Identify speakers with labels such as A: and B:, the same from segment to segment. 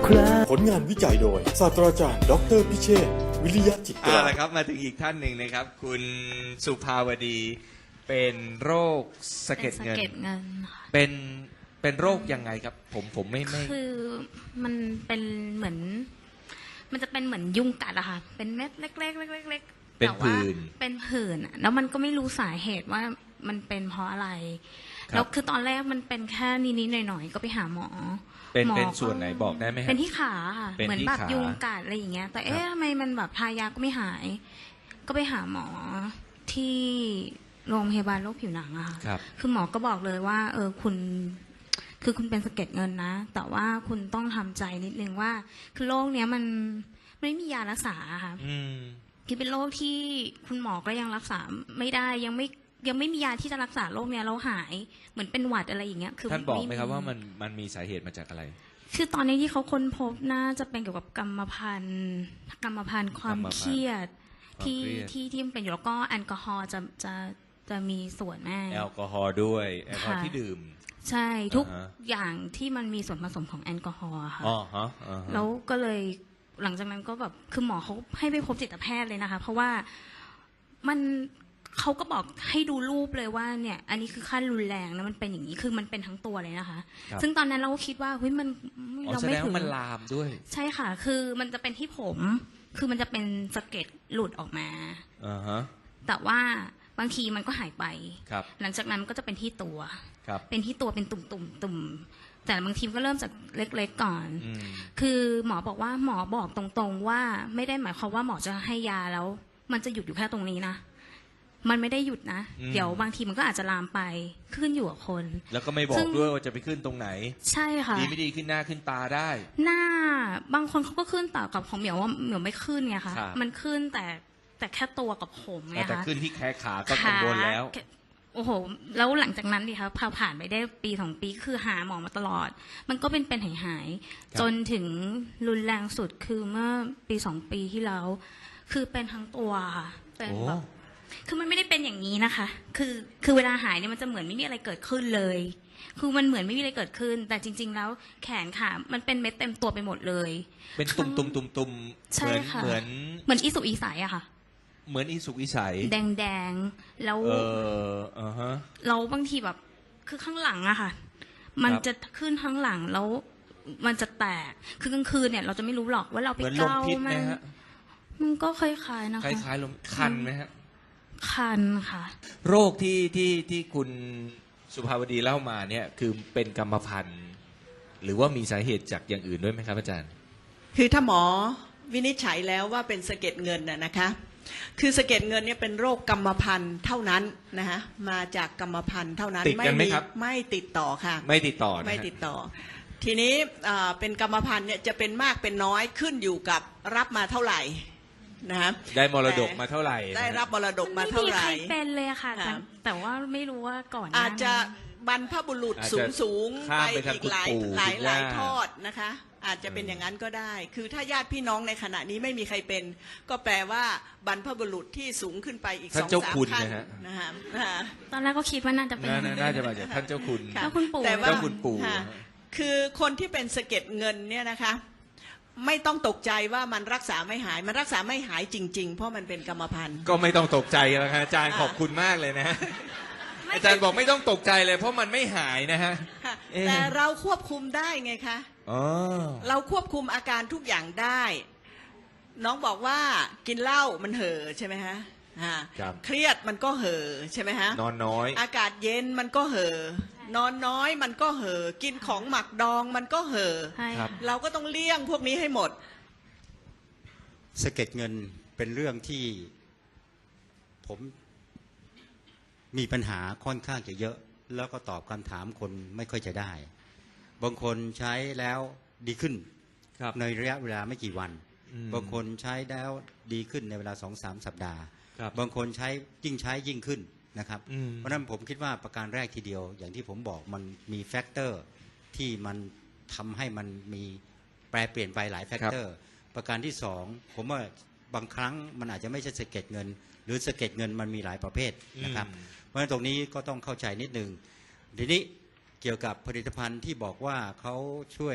A: ครา
B: ผลงานวิจัยโดยศาสตราจารย์ดออเตอร์พิเชษฐ์วิริยะจิตรา
C: ละครับมาถึงอีกท่านหนึ่งนะครับ คุณสุภาวดีเป็นโรคสะเก็ดเงิน
D: เป็นสะเก็ดเงินค่ะ
C: เป็นโรคยังไงครับ ผมไม่
D: คือมันเป็นเหมือน มันจะเป็นเหมือนยุงกัดอะค่ะ เป็นเม็ดเล็กๆเล็กๆ
C: เป็น
D: แต่ว่า
C: ผื่น
D: เป็นผื่นอะแล้วมันก็ไม่รู้สาเหตุว่ามันเป็นเพราะอะไร
C: ครับ
D: แล้วคือตอนแรกมันเป็นแค่นิดๆหน่อยๆก็ไปหาหมอ
C: เป็น
D: หมอ
C: เป็นส่วนไหนบอกได้ไหมครับ
D: เป็นที่ขาค่ะ
C: เป็นที่
D: เหมือนแบบ
C: ขา
D: ยุงกัดอะไรอย่างเงี้ย แต่
C: ครั
D: ทำ
C: บ
D: ไมมันแบบทายาก็ไม่หาย ก็ไปหาหมอที่โรงพยาบาลโรคผิวหนังอะค่ะ
C: ครับ
D: คือหมอก็บอกเลยว่าคุณคือคุณเป็นสะเก็ดเงินนะ แต่ว่าคุณต้องทำใจนิดนึงว่า คือโรคเนี้ยมันไม่มียารักษาค่ะ
C: อืม
D: คือเป็นโรคที่คุณหมอก็ยังรักษาไม่ได้ยังไม่มียาที่จะรักษาโรคเนี้ยแล้วหายเหมือนเป็นหวัดอะไรอย่างเงี้ย คือ
C: ท่านบอกไหมครับว่ามันมีสาเหตุมาจากอะไร
D: คือตอนนี้ที่เขาค้นพบน่าจะเป็นเกี่ยวกับกรรมพันธุ์ความเครียด
C: ความเครียด
D: ที่มันเป็นอยู่แล้วก็แอลกอฮอล์จะมีส่วนแม่
C: แอลกอฮอล์ด้วยแอลกอฮอล์
D: ค่ะ
C: ที่ดื่ม
D: ใช่ทุก
C: อ่าฮะ
D: อย่างที่มันมีส่วนผสมของแอลกอฮอล์อะค่ะ
C: อ๋อฮะอ่าฮะ
D: แล้วก็เลยหลังจากนั้นก็แบบคือหมอเขาให้ไปพบจิตแพทย์เลยนะคะ เพราะว่ามันเขาก็บอกให้ดูรูปเลยว่าเนี่ย อันนี้คือขั้นรุนแรงนะมันเป็นอย่างนี้คือมันเป็นทั้งตัวเลยนะคะ
C: ครับ
D: ซึ่งตอนนั้นเราก็คิดว่าเฮ้ยมัน
C: อ๋อ
D: เรา
C: แส
D: ไม่
C: ดง
D: ถึง
C: ว่ามันลามด้วย
D: ใช่ค่ะ คือมันจะเป็นที่ผม คือมันจะเป็นสะเก็ดหลุดออกมา
C: อ่าฮะ
D: แต่ว่าบางทีมันก็หายไป
C: ครับ
D: หลังจากนั้นมันก็จะเป็นที่ตัว
C: ครับ
D: เป็นที่ตัวเป็นตุ่มแต่บางทีก็เริ่มจากเล็กๆก่อน
C: อืม
D: คือหมอบอกว่าหมอบอกตรงๆว่าไม่ได้หมายความว่าหมอจะให้ยาแล้ว มันจะหยุดอยู่แค่ตรงนี้นะ มันไม่ได้หยุดนะ เดี๋ยวบางทีมันก็อาจจะลามไปขึ้นอยู่กับคน
C: แล้วก็ไม่บอ
D: ซึ่
C: ก
D: ง
C: ด้วยว่าจะไปขึ้นตรงไหน
D: ใช่ค่ะ
C: ดีไม่ดีขึ้นหน้าขึ้นตาได้
D: หน้าบางคนเขาก็ขึ้นแต่กับของเหมียวว่าเหมียวไม่ขึ้นไงคะ
C: ครับ
D: มันขึ้นแต่แค่ตัวกับผมไง
C: แต่
D: คะ
C: ขึ้นที่แขนขาก็กังวลแล้ว
D: ขาโอ้โห แล้วหลังจากนั้นดิคะพอผ่านไปได้ปี2 ปีคือหาหมอมาตลอด มันก็เป็นหาย
C: ครับ
D: จนถึงรุนแรงสุดคือเมื่อปี2 ปีที่แล้ว คือเป็นทั้งตัวค่ะเป็น
C: โอ้
D: แบบคือมันไม่ได้เป็นอย่างนี้นะคะ คือเวลาหายเนี่ยมันจะเหมือนไม่มีอะไรเกิดขึ้นเลย คือมันเหมือนไม่มีอะไรเกิดขึ้น แต่จริง ๆ แล้วแขนขามันเป็นเม็ดเต็มตัวไปหมดเลย
C: เป็นตุ่มตุ่มตุ่มตุ่ม
D: ใช่ค่ะ
C: เหมือน
D: เหมือนอีสุกอีใสอะค่ะ
C: เหมือนอีสุกอีใส
D: แดงๆแล้ว
C: อ่าฮะ
D: เราบางทีแบบคือข้างหลังอะค่ะ มัน
C: ครับ
D: จะขึ้นข้างหลังแล้วมันจะแตกคือกลางคืนเนี่ย เราจะไม่รู้หรอกว่าเราไป
C: เหมือนลม
D: เกา
C: พิษ
D: มั
C: ไหม
D: น
C: ฮะ
D: มันก็คล้ายๆนะ
C: ค
D: คะ
C: ล้ายๆลมคันไหมฮะ
D: คันค่ะ
C: โรคที่คุณสุภาวดีเล่ามาเนี่ยคือเป็นกรรมพันธุ์ หรือว่ามีสาเหตุจากอย่างอื่นด้วยไหมครับอาจารย์
E: คือถ้าหมอวินิจฉัยแล้วว่าเป็นสะเก็ดเงินนะคะ คือสะเก็ดเงินเนี่ยเป็นโรคกรรมพันธุ์เท่านั้นนะคะมาจากกรรมพันธุ์เท่านั้น
C: ติดกันไหมครับ
E: ไม่ติดต่อค่ะ
C: ไม่ติดต่อนะฮะ
E: ไม่ติดต่อ ทีนี้เป็นกรรมพันธุ์เนี่ยจะเป็นมากเป็นน้อยขึ้นอยู่กับรับมาเท่าไหร่นะคะ
C: ได้มรดกมาเท่าไหร่นะฮะ
E: ได้รับมรดกมาเท่าไหร่
D: ไม่มีใครเป็นเลยอะค่ะ
E: ค่ะ
D: แต่ว่าไม่รู้ว่าก่อนหน้
E: อาจจะ
D: นั้น
E: บรรพบุรุษ
C: อาจ
E: สู
C: จะ
E: งสูง
C: ข้า
E: ไป
C: มไปทาง
E: อีก
C: คุณ
E: หลาย
C: ปู่
E: หลาย
C: คุณ
E: หลาย
C: ย่า
E: ทอดนะคะ อาจจะเป็นอย่างนั้นก็ได้ คือถ้าญาติพี่น้องในขณะนี้ไม่มีใครเป็น ก็แปลว่าบรรพบุรุษที่สูงขึ้นไปอีก
C: ท่าน
E: สอง
C: เจ้า
E: สาม
C: คุณ
E: ท่าน
C: นะฮะ
E: นะคะ
D: ตอนแรกก็คิดว่าน่าจะเป็น
C: น่าจะมาจากท่านเจ้าคุณ
E: ค่ะ
D: แล้วคุณปู่
E: แต่ว่า
C: เจ้าคุณปู่
E: ค่ะคือคนที่เป็นสะเก็ดเงินเนี่ยนะคะ ไม่ต้องตกใจว่ามันรักษาไม่หาย มันรักษาไม่หายจริง ๆ เพราะมันเป็นกรรมพันธุ์
C: ก็ไม่ต้องตกใจแล้วครับอาจารย์ขอบคุณมากเลยนะฮะอาจารย์บอกไม่ต้องตกใจเลย เพราะมันไม่หายนะฮะ
E: ค่ะ
C: เอ๊ะ
E: แต่เราควบคุมได้ไงคะ
C: อ๋อ
E: เราควบคุมอาการทุกอย่างได้ น้องบอกว่ากินเหล้ามันเห่อใช่ไหมฮะ
C: ครับ
E: เครียดมันก็เห่อใช่ไหมฮะ
C: นอนน้อย
E: อากาศเย็นมันก็เห่อนอนน้อยมันก็เห่อกินของหมักดองมันก็เห่อ
D: ใช่
C: ครับ
E: เราก็ต้องเลี่ยงพวกนี้ให้หมด
F: สะเก็ดเงินเป็นเรื่องที่ผมมีปัญหาค่อนข้างจะเยอะ แล้วก็ตอบคำถามคนไม่ค่อยจะได้ บางคนใช้แล้วดีขึ้น
C: ครับ
F: ในระยะเวลาไม่กี่วัน
C: อืม
F: บางคนใช้แล้วดีขึ้นในเวลา 2-3 สัปดาห์
C: ครับ
F: บางคนใช้ยิ่งขึ้นนะครับ
C: อืม
F: เพราะฉะนั้นผมคิดว่าประการแรกทีเดียว อย่างที่ผมบอกมันมีแฟกเตอร์ที่มันทำให้มันมีแปรเปลี่ยนไปหลายแฟกเตอร์ ประการที่สองผมว่าบางครั้งมันอาจจะไม่ใช่สะเก็ดเงิน หรือสะเก็ดเงินมันมีหลายประเภทนะครับ เพราะฉะนั้นตรงนี้ก็ต้องเข้าใจนิดนึงทีนี้เกี่ยวกับผลิตภัณฑ์ที่บอกว่าเขาช่วย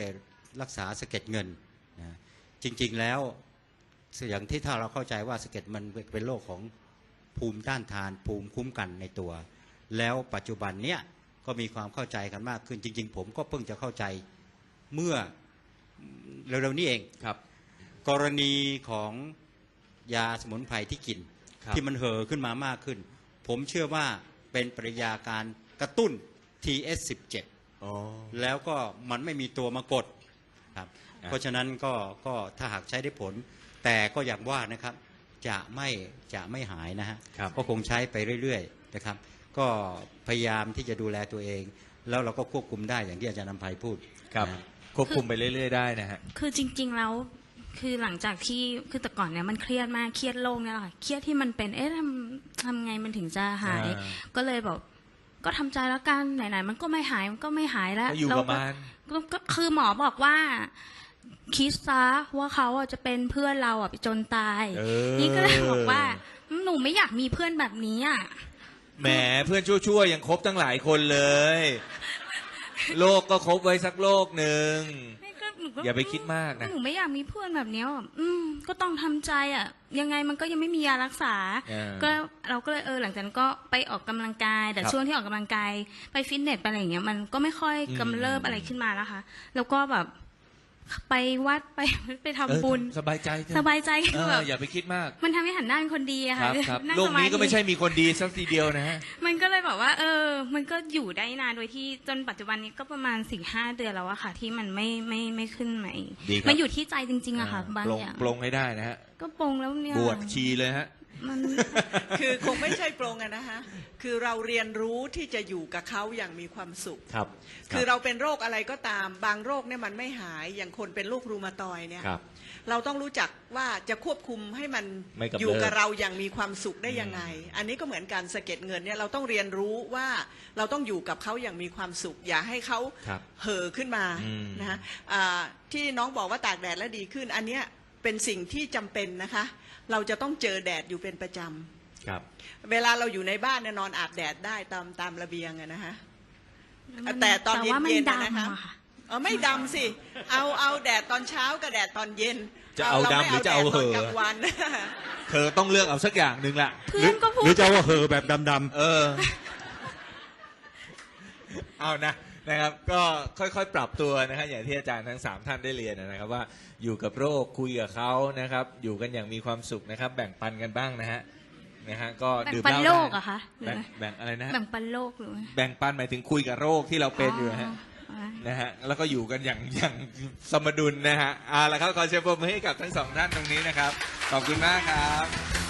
F: รักษาสะเก็ดเงินนะจริงๆแล้วอย่างที่ถ้าเราเข้าใจว่าสะเก็ดมันเป็นโรคของภูมิต้านทานภูมิคุ้มกันในตัว แล้วปัจจุบันเนี้ยก็มีความเข้าใจกันมากขึ้นจริงๆผมก็เพิ่งจะเข้าใจเมื่อเร็วๆนี้เอง
C: ครับ
F: กรณีของยาสมุนไพรที่กิน
C: ครับ
F: ที่มันเห่อขึ้นมามากขึ้น ผมเชื่อว่าเป็นปริยาการกระตุ้น TS17
C: อ๋อ
F: แล้วก็มันไม่มีตัวมากดครับเพราะฉะนั้นก็ถ้าหากใช้ได้ผล แต่ก็อย่างว่านะครับจะไม่หายนะฮะ
C: ครับ
F: ก็คงใช้ไปเรื่อยๆนะครับก็พยายามที่จะดูแลตัวเอง แล้วเราก็ควบคุมได้อย่างที่อาจารย์นำไพพูด
C: ครับ
F: นะ
C: ควบคุมไปเรื่อยๆได้นะฮะ
D: คือจริง ๆ แล้วคือหลังจากที่คือแต่ก่อนเนี่ยมันเครียดมากเครียดโรคเนี่ยแหละค่ะเครียดที่มันเป็นทำไงมันถึงจะหาย
C: อ่า
D: ก็เลยแบบก็ทำใจแล้วกันไหนๆมันก็ไม่หายมันก็ไม่หายแล้ว
C: ก็อยู่กับมัน
D: ก็คือหมอบอกว่าคิดซะว่าเขาอ่ะจะเป็นเพื่อนเราอ่ะไปจนตาย
C: เออ
D: นี่ก็เลยบอกว่าหนูไม่อยากมีเพื่อนแบบนี้อ่ะ
C: แหมเพื่อนชั่วๆยังครบตั้งหลายคนเลยโลกก็ครบไว้สักโลกหนึ่ง
D: หนูก็
C: อย่าไปคิดมากนะ
D: หนูไม่อยากมีเพื่อนแบบเนี้ยแบบก็ต้องทำใจอ่ะ ยังไงมันก็ยังไม่มียารักษา ก็เราก็เลยหลังจากนั้นก็ไปออกกำลังกาย แต่
C: ครับ
D: ช่วงที่ออกกำลังกายไปฟิตเนสไปอะไรอย่างเงี้ยมันก็ไม่ค่อยกำเริบอะไรขึ้นมาแล้วค่ะ แล้วก็แบบไปวัดไปทำบุญ
C: สบายใจเถอะ
D: สบายใจ
C: เอ
D: แบ
C: อบ อย่าไปคิดมาก
D: มันทำให้หันหน้าเป็นคนดีอะ
C: ค
D: ค่ะ
C: รับครับ
D: นั่ง
C: โลก
D: สา
C: นี้
D: ธิ
C: ก็ไม่ใช่มีคนดีสักทีเดียวนะฮะ
D: มันก็เลยแบบว่ามันก็อยู่ได้นานโดยที่จนปัจจุบันนี้ก็ประมาณ 4-5 เดือนแล้วอะค่ะ ที่มันไม่ขึ้นใหม่
C: ดีครับ
D: มันอยู่ที่ใจจริงๆอะค่ะบาง
C: ปลง
D: อย่าง
C: ปลงให้ได้นะฮะ
D: ก็ปลงแล้วเนี่ย
C: บวชชีเลยฮะ
D: มัน
E: คือคงไม่ใช่ปรงอะนะคะคือเราเรียนรู้ที่จะอยู่กับเขาอย่างมีความสุข
C: ครับ
E: คือเราเป็นโรคอะไรก็ตามบางโรคเนี่ยมันไม่หายอย่างคนเป็นโรครูมาตอยด์เนี่ย
C: ครับ
E: เราต้องรู้จักว่าจะควบคุมให้มัน
C: ไม่กำเริบ
E: อยู่กับเราอย่างมีความสุขได้ยังไง อันนี้ก็เหมือนการสะเก็ดเงินเนี่ยเราต้องเรียนรู้ว่าเราต้องอยู่กับเขาอย่างมีความสุข อย่าให้เขา
C: ครับ
E: เห่อขึ้นมา
C: อืม
E: นะฮะที่น้องบอกว่าตากแดดแล้วดีขึ้น อันเนี้ยเป็นสิ่งที่จำเป็นนะคะ เราจะต้องเจอแดดอยู่เป็นประจำ
C: ครับ
E: เวลาเราอยู่ในบ้านเนี่ยนอนอาบแดดได้ตามระเบียงอะนะคะ แต่ตอนเย็นๆ
D: แต่ว่ามัน
E: นะ
D: ดำ
E: นะคะ
D: อะค่ะ
E: ไม่ดำสิ เอาแดดตอนเช้ากับแดดตอนเย็น
C: จะเอาดำหรือจะเอาเหอะ
E: รไม่แดดตอนกลางวัน
C: เธอต้องเลือกเอาสักอย่างหนึ่งละ
D: เพื่อนก็พู
F: หรื
D: ด
F: อจะว่าเห่อแบบดำ
C: เออ เอานะครับ ก็ค่อยๆปรับตัวนะครับอย่างที่อาจารย์ทั้ง3ท่านได้เรียนนะครับ ว่าอยู่กับโรคคุยกับเขานะครับ อยู่กันอย่างมีความสุขนะครับ แบ่งปันกันบ้างนะฮะก็
D: แบ่ง
C: ดื่ม
D: ปัน
C: เหล้า
D: โล
C: ได้
D: กอะคะหรือ
C: แบ่งอะไรนะฮะ
D: แบ่งปันโลกหรือ
C: แบ่งปันหมายถึงคุยกับโรคที่เราเป็นอยู่นะฮะ
D: อ๋อ
C: นะฮะแล้วก็อยู่กันอย่างสมดุลนะฮะเอาละครับขอเชิญปรบมือให้กับทั้งสองท่านตรงนี้นะครับขอบคุณมากครับ